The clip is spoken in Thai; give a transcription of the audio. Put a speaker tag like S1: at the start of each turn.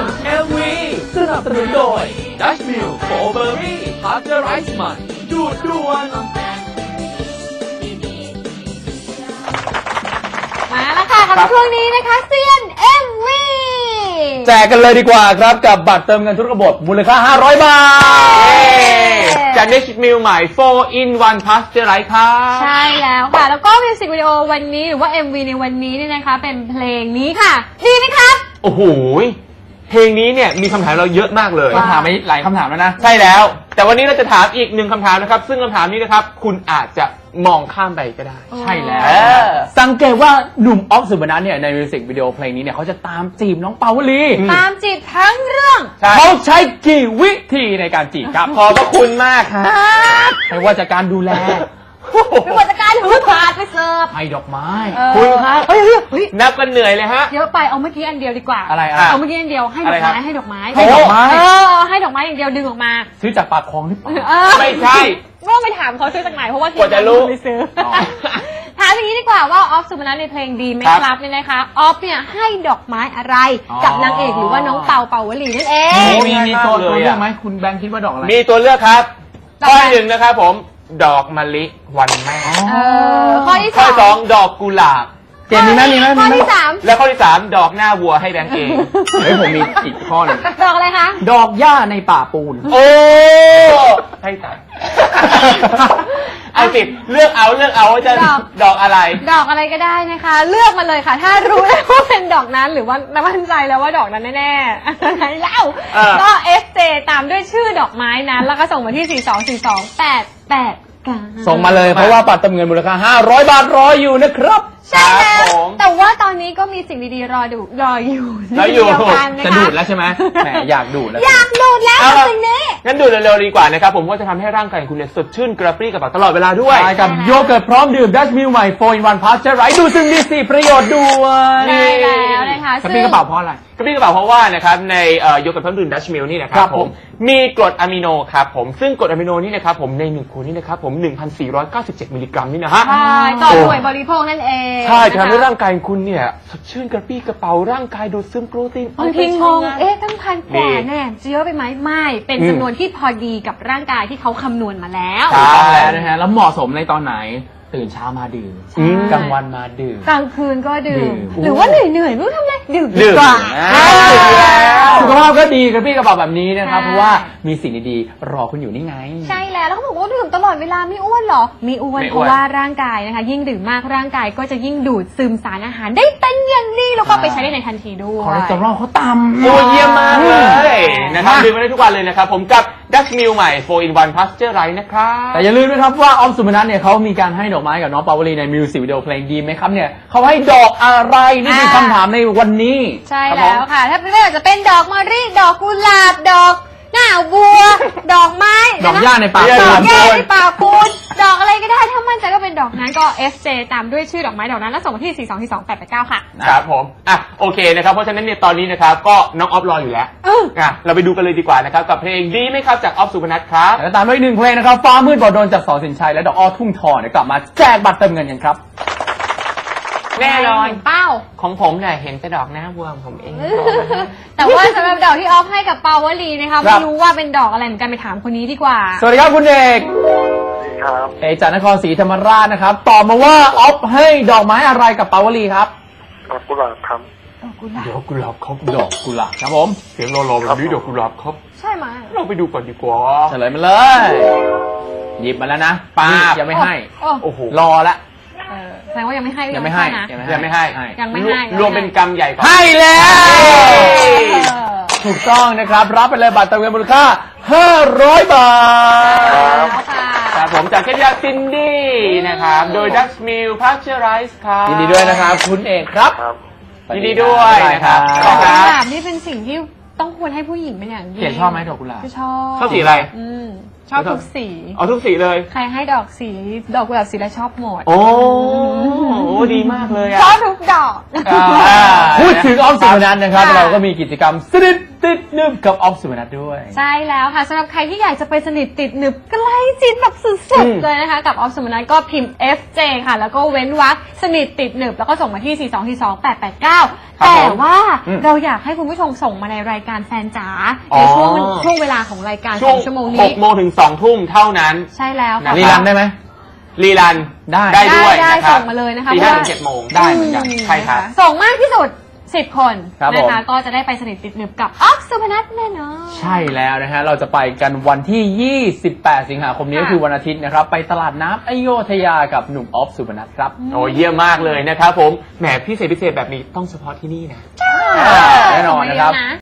S1: MV สนับสนุนโดย Dutch Mill Strawberry Pasteurized ใหม่ดูดด่วน
S2: มาแล้วค่ะกับช่วงนี้นะคะเซียน MV
S3: แจกกันเลยดีกว่าครับกับบัตรเติมเงินทุกระบบมูลค่า500 บาท
S1: จาก Dutch Mill ใหม่ 4-in-1 Pasteurized ครับ
S2: ใช่แล้วค่ะแล้วก็มิวสิกวิดีโอวันนี้หรือว่า MV ในวันนี้เนี่ยนะคะเป็นเพลงนี้ค่ะดีไหมครับ
S1: โอ้โหเพลงนี้เนี่ยมีคำถามเราเยอะมากเลย
S3: ถามไปหลายคำถามแล้วนะ
S1: ใช่แล้วแต่วันนี้เราจะถามอีกหนึ่งคำถามนะครับซึ่งคำถามนี้นะครับคุณอาจจะมองข้ามไปก็ได้
S3: ใช่แล้วสังเกตว่าหนุ่มออฟสุบนัทเนี่ยในมิวสิกวิดีโอเพลงนี้เนี่ยเขาจะตามจีบน้องเปาวลี
S2: ตามจีบทั้งเรื่อง
S3: เขาใช้กี่วิธีในการจีบครับ
S1: ขอบพระคุณมาก
S3: ครับไม่ว่าจะการดูแล
S2: ไม่ว่าจะการถือถาดไปเสิร์ฟ
S3: ให้ดอกไม้
S1: คุณครับนับกันเหนื่อยเลยฮะ
S2: เยอะไปเอาเมื่อกี้อันเดียวดีกว่า
S3: อะไร
S2: เอาเมื่อกี้อันเดียวให้ดอกไม้ให้ดอกไม้
S3: ให้ดอกไม้
S2: ให้ดอกไม้อย่างเดียวดึงออกมา
S3: ซื้อจากปากคลองหรือเปล่า
S1: ไม่ใช่
S2: ก็ไปถามเขาซื้อจากไหนเพราะว่า
S1: ควรจะรู้
S2: ไปซื้อถามอย่างนี้ดีกว่าว่าออฟสุบนัทในเพลงดีไหมครับเนี่ยนะคะออฟเนี่ยให้ดอกไม้อะไรกับนางเอกหรือว่าน้องเปาวลีนั่นเอง
S3: มีตัวเลือกไหมคุณแบงค์คิดว่าดอกอะไร
S1: มีตัวเลือกครับข้อที่ 1นะครับผมดอกมะลิวันแม่
S2: ข้อที่
S1: 2ดอกกุหลาบ
S3: เจนมีไหม
S2: ข้อที่3
S1: และข้อที่3ดอกหน้าวัวให้แบงค์เอง
S3: เฮ้ยผมมีอีกข้อนึง
S2: ดอกอะไรคะ
S3: ดอกหญ้าในป่าปูน
S1: โอ้ให้ตัดเอาสิเลือกเอาว่าจะดอกอะไร
S2: ดอกอะไรก็ได้นะคะเลือกมาเลยค่ะถ้ารู้แล้วว่าเป็นดอกนั้นหรือว่ามั่นใจแล้วว่าดอกนั้นแน่ๆอะไรเล่าก็ FJ ตามด้วยชื่อดอกไม้นั้นแล้วก็ส่งมาที่4242888
S3: ส่งมาเลยเพราะว่าบัตรเติมเงินมูลค่า500 บาทรออยู่นะครับ
S2: ใช่แล้วแต่ว่าตอนนี้ก็มีสิ่งดีๆรออยู่
S3: จะดูดแล้วใช่ไหมแหมอยากดูดแล้ว
S2: สิ่งนี้
S1: งั้นดูเร็วๆดีกว่านะครับผมว่าจะทำให้ร่างกายคุณเนี่ยสดชื่นกระปรี้กระเป๋าตลอดเวลาด้วย
S3: กับโยเกิร์ตพร้อมดื่ม Dutch Mill ใหม่ 4-in-1 Pasteurized ดูซึ่งมี4ประโยชน์ด้วย
S2: ได้แล้วนะคะ
S3: กระปรี้กระเป๋าเพราะอะไร
S1: กระปรี้กระเป๋าเพราะว่านะครับในโยเกิร์ตพร้อมดื่ม Dutch Mill นี่นะครับผมมีกรดอะมิโนครับผมซึ่งกรดอะมิโนนี่นะครับผมใน1 ขวดนี่นะครับผม 1,497 มิลลิกรัมนี่นะฮะ
S2: ใช่ต่อหน่วยบริโภคนั่นเอง
S1: ใช่จะทำให้ร่างกายคุณเนี่ยสดชื่นกระปรี้กระเป๋าร่างกายดูดซึมโปรตีน
S2: บางทีงงตั้ง1,000 กว่าเนี่ยจะเยอะไปไหมไม่เป็นจำนวนที่พอดีกับร่างกายที่เขาคำนวณมาแล้ว
S3: ใช่แล้วนะฮะแล้วเหมาะสมในตอนไหนตื่นเช้ามาดื่มกลางวันมาดื่ม
S2: กลางคืนก็ดื่มหรือว่าเหนื่อยไม่รู้ทำอะไรดื่ม
S1: ดีกว่า
S3: สุขภาพก็ดีกระปรี้กระเป๋าแบบนี้นะครับเพราะว่ามีสิ่งดีๆรอคุณอยู่นี่ไง
S2: ใช่แล้วเขาบอกว่าดื่มตลอดเวลาไม่อ้วนหรอไม่อ้วนเพราะว่าร่างกายนะคะยิ่งดื่มมากร่างกายก็จะยิ่งดูดซึมสารอาหารได้เป็นอย่างดีแล้วก็ไปใช้ได้ในทันทีด้วย
S3: คอเลสเตอรอลเขาต่ำ
S1: โอ้เยี่ยมมากเลยนะครับดื่มได้ทุกวันเลยนะครับผมกับ Dutch Mill ใหม่ 4-in-1 Pasteurized นะครับ
S3: แต่อย่าลืมนะครับว่าออฟสุบนัทเนี่ยเขามีการให้ดอกไม้กับน้องเปาวลีในมิวสิกวิดีโอเพลงดีไหมครับเนี่ยเขาให้ดอกอะไรนี่คือคำถามในวันนี้
S2: ใช่แล้วค่ะถ้าไม่ว่าจะเป็นดอกมะลิดอกกุหลาบดอกหน้าบัวดอกไม้
S3: ดอกหญ้าในป่า
S2: ปูนดอกอะไรก็ได้ถ้ามั่นใจก็เป็นดอกนั้นก็ FJ ตามด้วยชื่อดอกไม้ดอกนั้นแล้วส่งมาที่4242889ค่ะ
S1: ครับผมโอเคนะครับเพราะฉะนั้นเนี่ยตอนนี้นะครับก็น้องออฟรออยู่แล้วเราไปดูกันเลยดีกว่านะครับกับเพลงดีไหมครับจากออฟสุบนัทครับ
S3: แล้วตามด้วย1 เพลงนะครับฟ้ามืดบ่อโดนจากสอนสินชัยและดอกอ้อทุ่งทองกลับมาแจกบัตรเติมเงินกันครับ
S1: แน่นอน
S2: เป้า
S1: ของผมเนี่ยเห็นแต่ดอกหน้าวัวผมเอง
S2: แต่ว่าสำหรับดอกที่ออฟให้กับเปาวลีนะคะไม่รู้ว่าเป็นดอกอะไรเหมือนกันไปถามคนนี้ดีกว่า
S3: สวัสดีครับคุณเอก
S4: ครับ
S3: เอกจากนครศรีธรรมราชนะครับตอบมาว่าออฟให้ดอกไม้อะไรกับเปาวลีครับ
S4: ดอกกุหลาบครับ
S1: ดอกกุหลาบครับ
S3: ดอกกุหลาบครับผม
S1: เสียงรอแบบนี้ดอกกุหลาบครับ
S2: ใช่ไหม
S1: เราไปดูก่อนดีกว่า
S3: เฉลยมาเลยหยิบมาแล้วนะป้ายังไม่ให้
S1: โอ้โห
S3: รอละ
S2: แสดงว่ายังไม่ให้
S3: ยังไม่ให้
S1: รวมเป็นกรรมใหญ่ก่อน
S3: ให้แล้วถูกต้องนะครับรับไปเลยบัตรเติมเงินมูลค่า500 บาท
S1: ครับผมจากเคสยาซินดี้นะครับโดย Dutch Mill Pasteurized ครับ
S3: ยินดีด้วยนะครับคุณเอกครับ
S1: ยินดีด้วยนะครับ
S2: ดอกกุหลาบนี่เป็นสิ่งที่ต้องควรให้ผู้หญิงเป็นอย่างยิ่ง
S3: เขียนชอบไหมดอกกุหลาบ
S2: ชอบ
S1: สีอะไร
S2: ชอบทุกสี
S1: ทุกสีเลย
S2: ใครให้ดอกกุหลาบสีแล้วชอบหมด
S1: โอ้ดีมากเลย
S2: ชอบทุกดอก
S3: พูดถึงออฟสุพนัทนะครับ
S2: ค่ะ
S3: เราก็มีกิจกรรมสนิทติดหนึบกับออฟสุพนัทด้วย
S2: ใช่แล้วค่ะสำหรับใครที่อยากจะไปสนิทติดหนึบใกล้ชิดแบบสุดๆเลยนะคะกับออฟสุพนัทก็พิมพ์ FJ ค่ะแล้วก็เว้นวรรคสนิทติดหนึบแล้วก็ส่งมาที่ 4242889 แต่ว่าเราอยากให้คุณผู้ชมส่งมาในรายการแฟนจ๋าในช่วงเวลาของรายการ2 ชั่วโมงนี้
S1: 6 โมงถึง 2 ทุ่มเท่านั้น
S2: ใช่แล้วค่ะ
S3: รีรันได้ไหม
S1: รีรัน
S3: ได้
S1: ด้วย
S2: ได้
S1: นะครับ
S2: ส่งมาเลยนะคะ
S1: ตี
S2: เพ
S1: ห้า
S2: ราะว่า
S1: ถึง7 โมง
S3: ได้เหมือนกัน
S1: ใช่ครับ
S2: ส่งมากที่สุด10 คน
S3: ครับ
S2: นะคะ
S3: ผม
S2: ก็จะได้ไปสนิทติดหนึบกับออฟสุพนัทแน่นอน
S3: ใช่แล้วนะฮะ เราจะไปกันวันที่ 28 สิงหาคมนี้
S2: ค่ะ
S3: ก็คือวันอาทิตย์นะครับ ไปตลาดน้ำอโยธยากับหนุ่มออฟสุพนัทครับ
S1: โอ้เยี่ยมมากเลยนะครับผมแหมพิเศษแบบนี้ต้องเฉพาะที่นี่นะ
S3: แน่นอนนะครับ
S2: ส่งมาเยอ